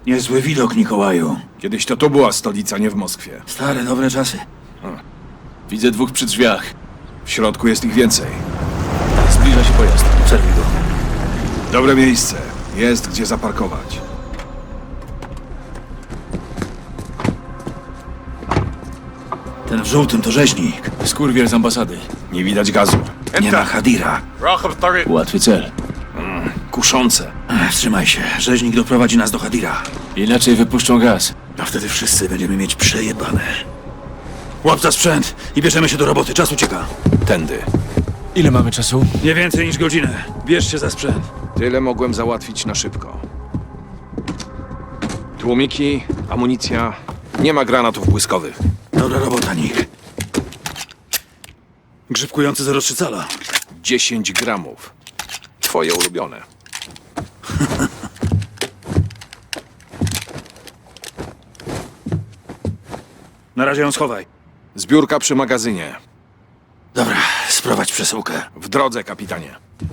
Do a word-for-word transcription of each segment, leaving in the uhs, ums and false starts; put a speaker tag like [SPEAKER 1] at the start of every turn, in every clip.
[SPEAKER 1] Niezły widok, Mikołaju.
[SPEAKER 2] Kiedyś to tu była stolica, nie w Moskwie.
[SPEAKER 1] Stare, dobre czasy.
[SPEAKER 2] Widzę dwóch przy drzwiach. W środku jest ich więcej. Zbliża się pojazd.
[SPEAKER 1] Obserwuj go.
[SPEAKER 2] Dobre miejsce. Jest gdzie zaparkować.
[SPEAKER 1] Ten w żółtym to rzeźnik.
[SPEAKER 3] Skurwiel z ambasady.
[SPEAKER 2] Nie widać gazu.
[SPEAKER 1] Nie ma Hadira.
[SPEAKER 3] Łatwy cel.
[SPEAKER 2] Kuszące.
[SPEAKER 1] Ech, wstrzymaj się. Rzeźnik doprowadzi nas do Hadira.
[SPEAKER 3] Inaczej wypuszczą gaz.
[SPEAKER 1] A wtedy wszyscy będziemy mieć przejebane. Łap za sprzęt i bierzemy się do roboty. Czas ucieka.
[SPEAKER 2] Tędy.
[SPEAKER 3] Ile mamy czasu?
[SPEAKER 1] Nie więcej niż godzinę. Bierz się za sprzęt.
[SPEAKER 2] Tyle mogłem załatwić na szybko. Tłumiki, amunicja. Nie ma granatów błyskowych.
[SPEAKER 1] Dobra robota, Nick. Grzybkujący zero trzy cala.
[SPEAKER 2] dziesięć gramów. Twoje ulubione.
[SPEAKER 1] Na razie ją schowaj.
[SPEAKER 2] Zbiórka przy magazynie.
[SPEAKER 1] Dobra, sprowadź przesyłkę.
[SPEAKER 2] W drodze, kapitanie.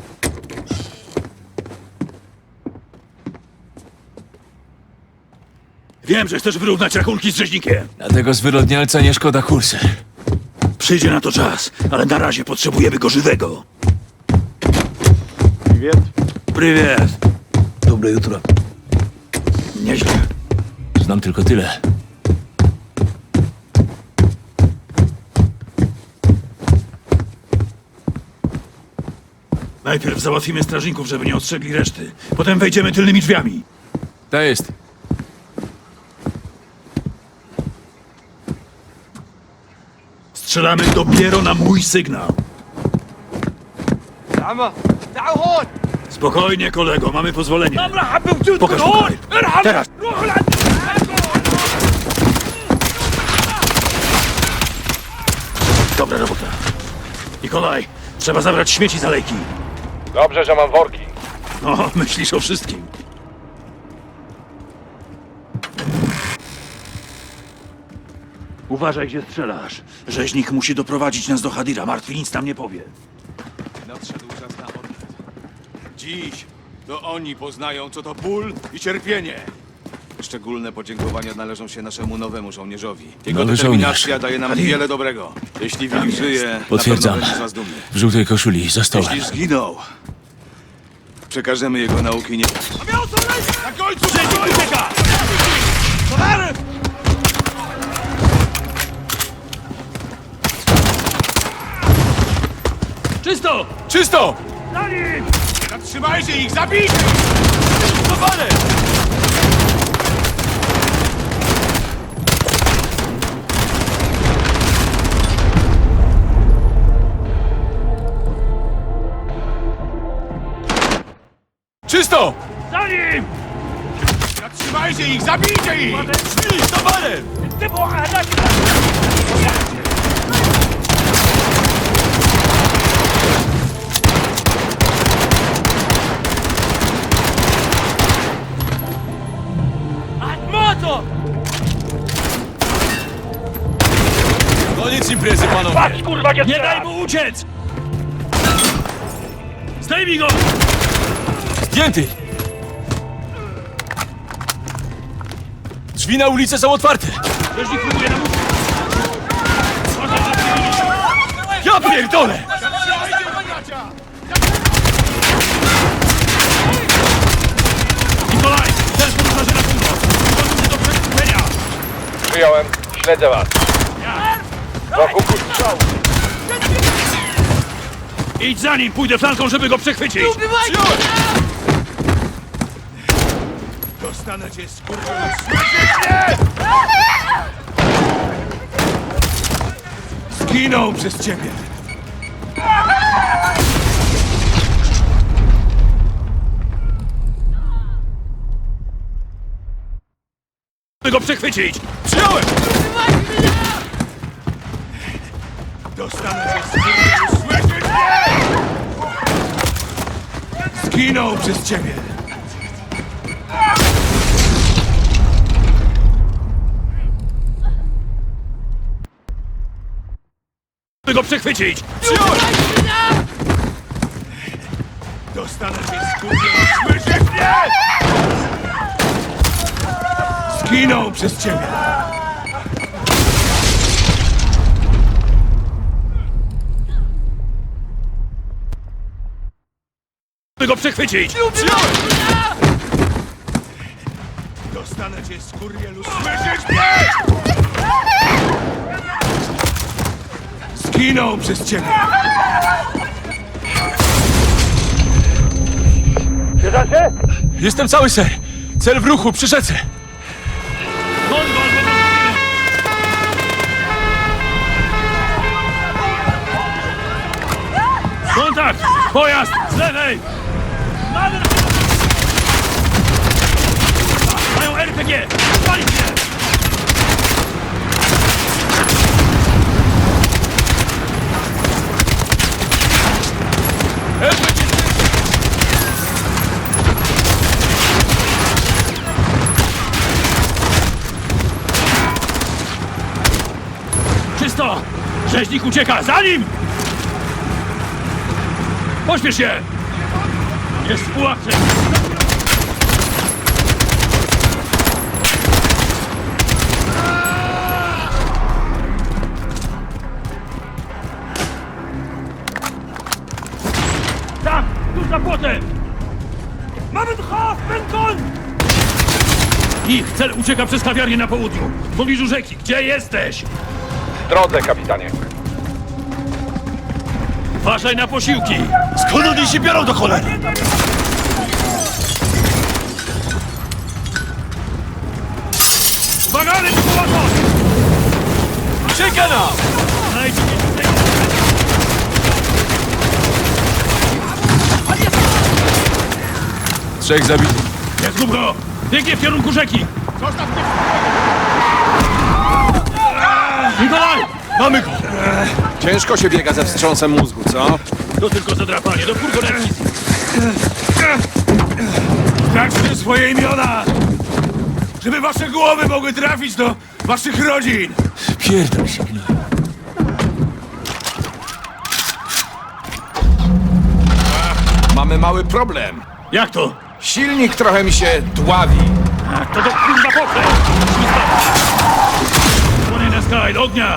[SPEAKER 1] Wiem, że chcesz wyrównać rachunki z rzeźnikiem.
[SPEAKER 3] Dlatego zwyrodnialca nie szkoda kursy.
[SPEAKER 1] Przyjdzie na to czas, ale na razie potrzebujemy go żywego.
[SPEAKER 2] Привет.
[SPEAKER 1] Prywiet.
[SPEAKER 4] Dobre jutro.
[SPEAKER 1] Nieźle.
[SPEAKER 3] Znam tylko tyle.
[SPEAKER 1] Najpierw załatwimy strażników, żeby nie ostrzegli reszty. Potem wejdziemy tylnymi drzwiami.
[SPEAKER 3] To jest.
[SPEAKER 1] Strzelamy dopiero na mój sygnał. Spokojnie, kolego, mamy pozwolenie. Pokaż tutaj. Teraz. Dobra robota. Nikolaj, trzeba zabrać śmieci z alejki.
[SPEAKER 2] Dobrze, że mam worki.
[SPEAKER 1] No, myślisz o wszystkim. Uważaj, gdzie strzelasz. Rzeźnik musi doprowadzić nas do Hadira. Martwi nic nam nie powie.
[SPEAKER 5] Nadszedł czas na odwet. Dziś to oni poznają, co to ból i cierpienie. Szczególne podziękowania należą się naszemu nowemu żołnierzowi. Jego
[SPEAKER 3] Nowy
[SPEAKER 5] determinacja
[SPEAKER 3] żołnierz.
[SPEAKER 5] daje nam
[SPEAKER 1] Hadir.
[SPEAKER 5] wiele dobrego. Jeśli Wilk żyje,
[SPEAKER 3] Potwierdzam.
[SPEAKER 5] na pewno będzie z nas dumny.
[SPEAKER 3] W żółtej koszuli, za stołem.
[SPEAKER 5] Jeśli zginął, przekażemy jego nauki nie... Na końcu! Rzeźnik ucieka!
[SPEAKER 1] Czysto!
[SPEAKER 3] Czysto!
[SPEAKER 5] Zatrzymajcie ich! Zabijcie ich! Powalę!
[SPEAKER 3] Czysto!
[SPEAKER 5] Zatrzymajcie ich! Zabijcie ich! Szli! Towarem!
[SPEAKER 3] Koniec imprezy, panowie!
[SPEAKER 1] Patrz, kurwa, nie daj mu uciec! Zdejmij go!
[SPEAKER 3] Zdjęty! Drzwi na ulicę są otwarte!
[SPEAKER 1] Rzeźnik próbuje nam uciec.
[SPEAKER 3] Ja pierdolę!
[SPEAKER 1] Nikolaj, też podróżarzy na północ. Gotuj się do przekupenia.
[SPEAKER 2] Przyjąłem. Śledzę was. Wokół strzał.
[SPEAKER 1] Idź za nim, pójdę flanką, żeby go przechwycić.
[SPEAKER 5] Dostanę cię, skurczę! Zginął przez ciebie!
[SPEAKER 1] Żeby go przechwycić.
[SPEAKER 3] Przyjąłem!
[SPEAKER 5] Dostanę cię, skurczę! Słyszysz mnie? Zginął przez ciebie!
[SPEAKER 1] Żeby go przechwycić.
[SPEAKER 3] Przyjąłem!
[SPEAKER 5] Dostanę cię, skurczę! Słyszysz mnie? Zginął przez ciebie!
[SPEAKER 1] By go przechwycić!
[SPEAKER 5] Dostanę cię, skurwielu! Słyszysz mnie? Zginął przez ciebie!
[SPEAKER 3] Jestem cały, ser. Cel w ruchu, przy rzece.
[SPEAKER 1] Kontakt! Pojazd! Z lewej! Mają R P G! Spalić się! Czysto! Rzeźnik ucieka! Za nim! Pośpiesz się! Jest w pułapce! Tam! Tuż za płotem! Mamy dcha! Pękon! Ich cel ucieka przez kawiarnię na południu. W pobliżu rzeki. Gdzie jesteś?
[SPEAKER 4] W drodze, kapitanie.
[SPEAKER 1] Uważaj na posiłki!
[SPEAKER 3] Skąd oni się biorą do cholery?
[SPEAKER 1] Uwaga, ale to połatwo!
[SPEAKER 3] Czeka nam!
[SPEAKER 1] Znajdź mnie!
[SPEAKER 3] Trzech zabitych.
[SPEAKER 1] Nie zgub go! Biegnie w kierunku rzeki! Nikolaj!
[SPEAKER 3] Mamy go!
[SPEAKER 4] Ciężko się biega ze wstrząsem mózgu, co?
[SPEAKER 1] To tylko zadrapanie, do furgonetki!
[SPEAKER 5] Traćcie swoje imiona! Żeby wasze głowy mogły trafić do waszych rodzin!
[SPEAKER 3] Pierdol się, gnoj.
[SPEAKER 4] Mamy mały problem.
[SPEAKER 1] Jak to?
[SPEAKER 4] Silnik trochę mi się dławi.
[SPEAKER 1] A, to do kurwa pofle! Płonie na skaj, do ognia!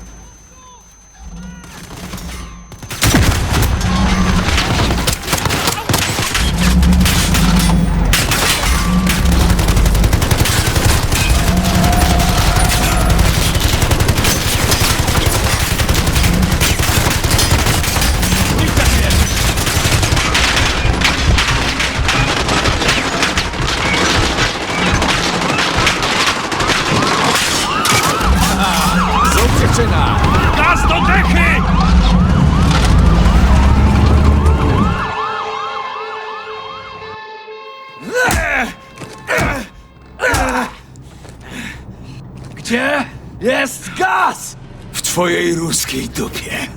[SPEAKER 4] Zrób dziewczyna!
[SPEAKER 1] Gaz do dechy!
[SPEAKER 5] Gdzie jest gaz? W twojej ruskiej dupie.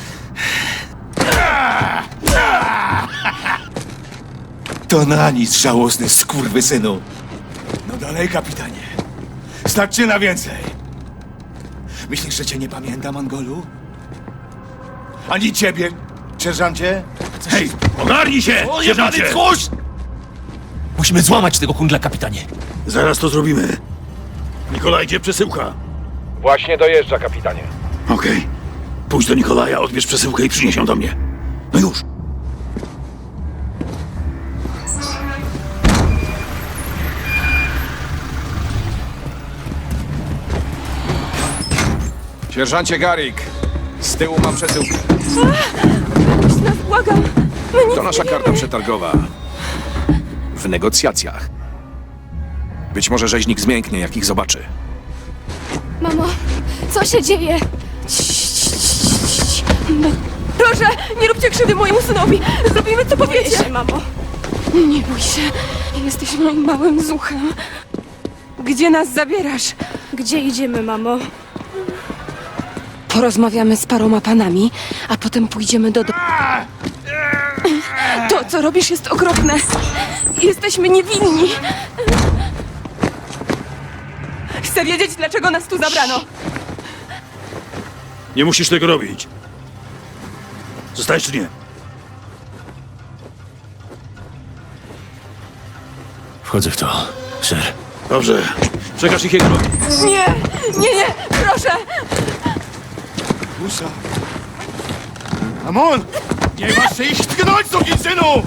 [SPEAKER 5] To na nic, żałosny skurwysynu. No dalej, kapitanie. Stać cię na więcej. Myślisz, że cię nie pamiętam, Angolu? Ani ciebie, sierżancie?
[SPEAKER 1] Hej, ogarnij się, sierżancie!
[SPEAKER 3] Musimy złamać tego kundla, kapitanie.
[SPEAKER 1] Zaraz to zrobimy. Nikolaj, gdzie przesyłka?
[SPEAKER 4] Właśnie dojeżdża, kapitanie.
[SPEAKER 1] Okej. Pójdź do Nikolaja, odbierz przesyłkę i przynieś ją do mnie. No już.
[SPEAKER 4] Sierżancie Garrick, z tyłu mam przesyłkę.
[SPEAKER 6] Puść nas, błagam! My nic
[SPEAKER 4] To nasza
[SPEAKER 6] nie
[SPEAKER 4] karta
[SPEAKER 6] wiemy.
[SPEAKER 4] przetargowa. W negocjacjach. Być może rzeźnik zmięknie, jak ich zobaczy.
[SPEAKER 6] Mamo, co się dzieje? Cii, cii, cii, cii. No, proszę, nie róbcie krzywdy mojemu synowi! Zrobimy, co powiecie! Boję się, mamo. Nie bój się. Jesteś moim małym zuchem. Gdzie nas zabierasz? Gdzie idziemy, mamo? Porozmawiamy z paroma panami, a potem pójdziemy do domu. To, co robisz, jest okropne. Jesteśmy niewinni. Chcę wiedzieć, dlaczego nas tu zabrano.
[SPEAKER 1] Nie musisz tego robić. Zostajesz czy nie?
[SPEAKER 3] Wchodzę w to, ser.
[SPEAKER 1] Dobrze. Przekaż ich jego.
[SPEAKER 6] Nie, nie, nie, proszę!
[SPEAKER 5] Musa. Amon! Nie masz się ich tknąć, synu!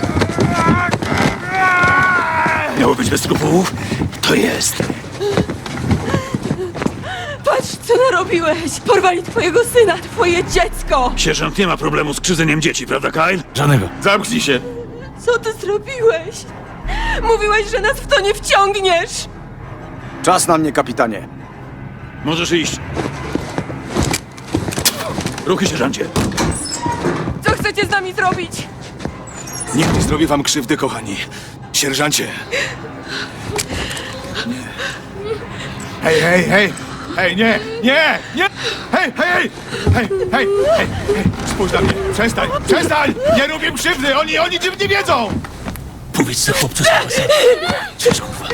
[SPEAKER 1] Miało być bez skrupułów? To jest.
[SPEAKER 6] Patrz, co narobiłeś! Porwali twojego syna, twoje dziecko!
[SPEAKER 1] Sierżant nie ma problemu z krzywdzeniem dzieci, prawda, Kyle?
[SPEAKER 3] Żadnego.
[SPEAKER 5] Zamknij się.
[SPEAKER 6] Co ty zrobiłeś? Mówiłeś, że nas w to nie wciągniesz!
[SPEAKER 7] Czas na mnie, kapitanie.
[SPEAKER 1] Możesz iść. Ruchy, sierżancie.
[SPEAKER 6] Co chcecie z nami zrobić?
[SPEAKER 5] Nikt nie zrobi wam krzywdy, kochani. Sierżancie. Nie. Hej, hej, hej! Hej, nie, nie, nie! Hej, hej, hej! Hej, hej, hej, hej! Spójrz na mnie! Przestań, przestań! Nie robię krzywdy! Oni, oni czym nie wiedzą!
[SPEAKER 1] Powiedz to chłopcu z Cześć, kurwa.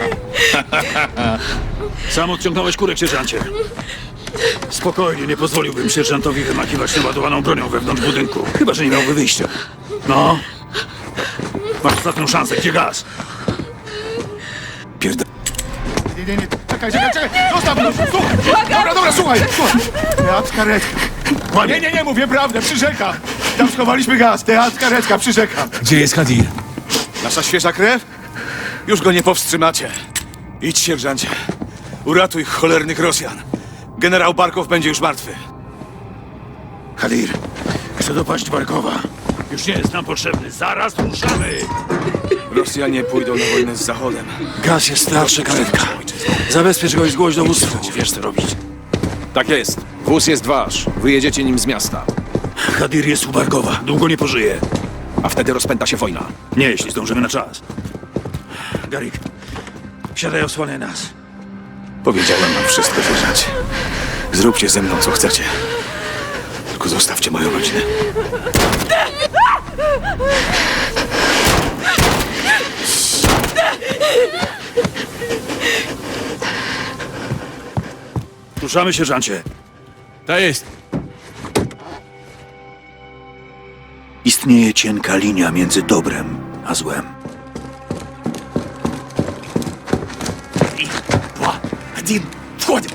[SPEAKER 1] Sam odciągnąłeś kurek, sierżancie. Spokojnie, nie pozwoliłbym sierżantowi wymakiwać naładowaną bronią wewnątrz budynku. Chyba że nie miałby wyjścia. No. Masz ostatnią szansę, gdzie gaz?
[SPEAKER 5] Pierda... Nie, nie, nie, czekaj, czekaj, czekaj! Zostaw go! Słuchaj! Dobra, dobra, słuchaj! Słuchaj! Teatr karetka! Nie, nie, nie, mówię prawdę, przyrzekam! Tam schowaliśmy gaz, teatr karetka, przyrzekam!
[SPEAKER 3] Gdzie jest Hadir?
[SPEAKER 5] Nasza świeża krew? Już go nie powstrzymacie. Idź, sierżancie. Uratuj cholernych Rosjan. Generał Barkow będzie już martwy.
[SPEAKER 1] Hadir, chcę dopaść Barkowa. Już nie jest nam potrzebny. Zaraz ruszamy!
[SPEAKER 5] Rosjanie pójdą na wojnę z Zachodem.
[SPEAKER 1] Gaz jest starszy, karetka. Zabezpiecz go i zgłoś dowództwu. Wiesz, co robić.
[SPEAKER 4] Tak jest. Wóz jest wasz. Wyjedziecie nim z miasta.
[SPEAKER 1] Hadir jest u Barkowa. Długo nie pożyje.
[SPEAKER 4] A wtedy rozpęta się wojna.
[SPEAKER 1] Nie, jeśli zdążymy na czas. Garik, siadaj, osłaniaj nas.
[SPEAKER 5] Powiedziałem wam wszystko, sierżancie. Zróbcie ze mną, co chcecie. Tylko zostawcie moją rodzinę.
[SPEAKER 1] Ruszamy, sierżancie.
[SPEAKER 3] To jest.
[SPEAKER 1] Istnieje cienka linia między dobrem a złem. Dwa, один, wchodzimy!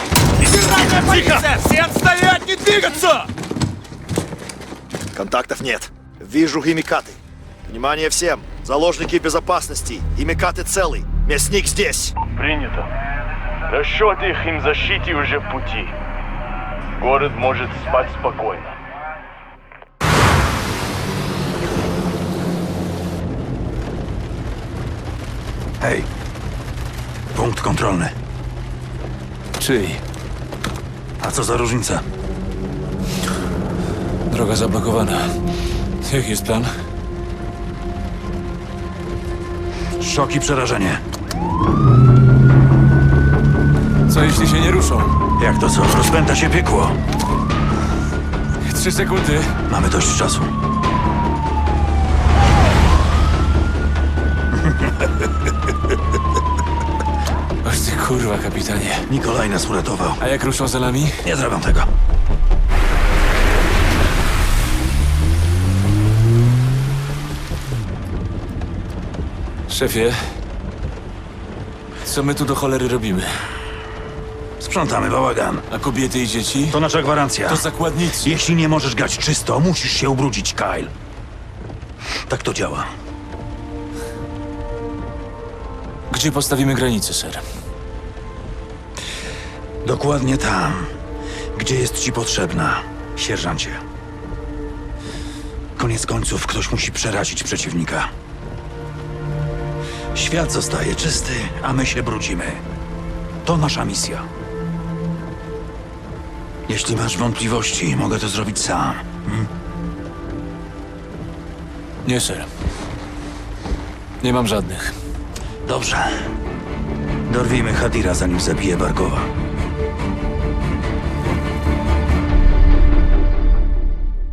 [SPEAKER 8] Контактов нет. Вижу химикаты. Внимание всем! Заложники безопасности. Химикаты целый. Мясник здесь.
[SPEAKER 9] Принято. Расчет их им защите уже в пути. Город может спать спокойно.
[SPEAKER 1] Hej, punkt kontrolny.
[SPEAKER 3] Czyj?
[SPEAKER 1] A co za różnica?
[SPEAKER 3] Droga zablokowana. Jaki jest plan?
[SPEAKER 1] Szok i przerażenie.
[SPEAKER 3] Co jeśli się nie ruszą?
[SPEAKER 1] Jak to co? Rozpęta się piekło.
[SPEAKER 3] Trzy sekundy.
[SPEAKER 1] Mamy dość czasu.
[SPEAKER 3] Oż ty kurwa, kapitanie.
[SPEAKER 1] Nikolaj nas uratował.
[SPEAKER 3] A jak ruszą za nami?
[SPEAKER 1] Nie zrobią tego.
[SPEAKER 3] Szefie, co my tu do cholery robimy?
[SPEAKER 1] Sprzątamy bałagan.
[SPEAKER 3] A kobiety i dzieci?
[SPEAKER 1] To nasza gwarancja.
[SPEAKER 3] To zakładnicy.
[SPEAKER 1] Jeśli nie możesz grać czysto, musisz się ubrudzić, Kyle. Tak to działa.
[SPEAKER 3] Gdzie postawimy granicę, ser?
[SPEAKER 1] Dokładnie tam, gdzie jest ci potrzebna, sierżancie. Koniec końców ktoś musi przerazić przeciwnika. Świat zostaje czysty, a my się brudzimy. To nasza misja. Jeśli masz wątpliwości, mogę to zrobić sam. Hmm?
[SPEAKER 3] Nie, ser. Nie mam żadnych.
[SPEAKER 1] Dobrze. Dorwijmy Hadira, zanim zabije Barkowa.